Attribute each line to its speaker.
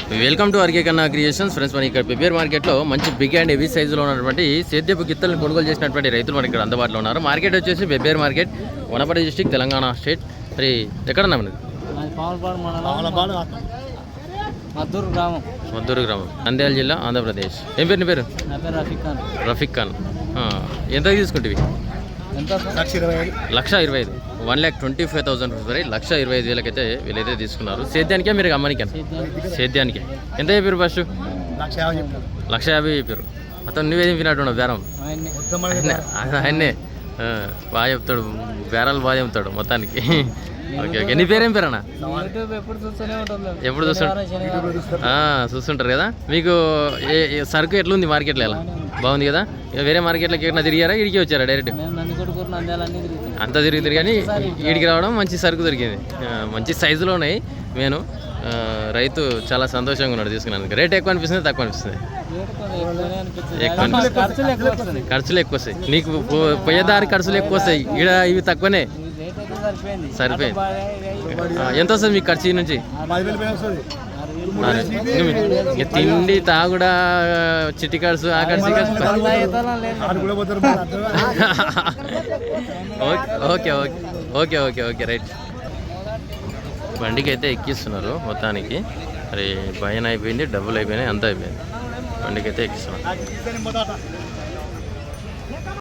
Speaker 1: Welcome to RK Kanna creations friends. మన ఇక్కడ పెబ్బేర్ మార్కెట్లో మంచి బిగ్ అండ్ హెవీ సైజులో ఉన్నటువంటి సేద్యపు గిత్తలను కొనుగోలు చేసినటువంటి రైతులు మనకి ఇక్కడ అందుబాటులో ఉన్నారు. మార్కెట్ వచ్చేసి Pebbair market, Wanaparthy district, Telangana state. మరి ఎక్కడన్నా మనది? మద్దూరు గ్రామం, నంద్యాల జిల్లా, ఆంధ్రప్రదేశ్. ఏం పేరు నీ పేరు? రఫీక్ ఖాన్. ఎంత తీసుకుంటేవి? 1,25,000, 1,25,000 రూపీస్ వరకు 1,25,000 అయితే వీళ్ళైతే తీసుకున్నారు. సేద్యానికే మీరు అమ్మనికే? సేద్యానికే. ఎంత చెప్పారు ఫస్ట్? 1,50,000 చెప్పారు. అతను నువ్వేం వినట్టున్నావు బేరం? ఆయన్నే బాగా చెప్తాడు, బేరాలు బాగా చెప్తాడు మొత్తానికి. Okay okay. నీ పేరేం పేరన్నా? ఎప్పుడు చూస్తుంటారు కదా. మీకు సరుకు ఎట్లుంది మార్కెట్లో? ఎలా బాగుంది కదా? వేరే మార్కెట్లోకి ఎక్కడ తిరిగారా? ఇడికి వచ్చారా డైరెక్ట్? అంతా తిరుగుతారు కానీ ఈడికి రావడం మంచి సరుకు దొరికింది, మంచి సైజులో ఉన్నాయి. నేను రైతు చాలా సంతోషంగా ఉన్నాడు తీసుకున్నాను. రేట్ ఎక్కువ అనిపిస్తుంది, తక్కువ అనిపిస్తుంది? ఖర్చులు ఎక్కువ వస్తాయి నీకు, పోయేదారి ఖర్చులు ఎక్కువ వస్తాయి. ఈడ ఇవి తక్కువనే సరిపోయింది. ఎంత వస్తుంది మీకు ఖర్చు నుంచి? తిండి, తాగుడా, చిట్టి ఖర్చు, ఆ ఖర్చు. Okay okay okay okay okay right. బండికి అయితే ఎక్కిస్తున్నారు మొత్తానికి. మరి భయం అయిపోయింది, డబ్బులు అయిపోయినాయి, అంతా అయిపోయింది. బండికి అయితే ఎక్కిస్తున్నారు.